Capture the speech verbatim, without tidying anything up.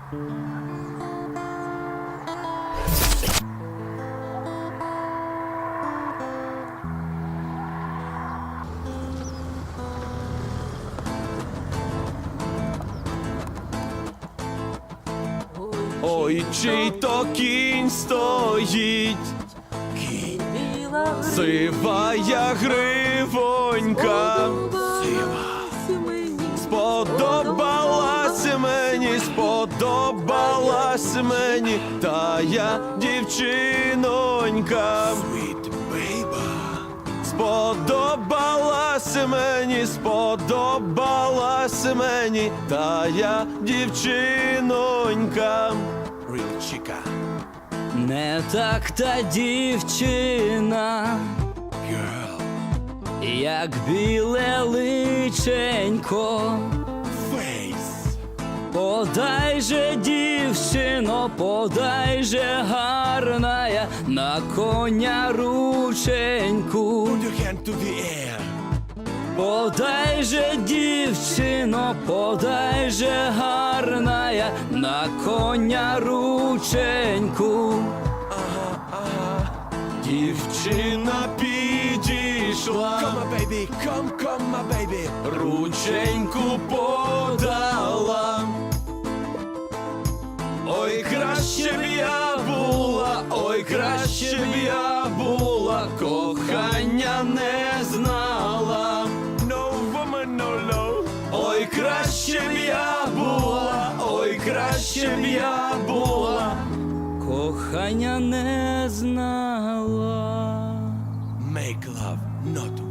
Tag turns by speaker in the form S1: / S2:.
S1: Ой, чий то кінь стоїть,
S2: Кінь,
S1: сивая гривонька, сподобалась мені, сподобалась мені тая дівчинонька.
S2: Sweet baby.
S1: Сподобалась мені, сподобалась мені тая дівчинонька.
S2: Real chica.
S3: Не так та дівчина,
S2: Girl.
S3: як біле личенько.
S2: Face.
S3: Подай же, дівчино, подай же гарная на коня рученьку.
S2: Put your hand to the air.
S3: Подай же, дівчино, подай же гарная на коня рученьку.
S1: Дівчина підійшла,
S2: Come my baby, come, come my baby.
S1: рученьку подала. Ой, краще б я була, ой, краще б я була, кохання не знала.
S2: No woman, no love.
S1: Ой, краще б я була, ой, краще б я була.
S3: Кохання не знала.
S2: Make love, not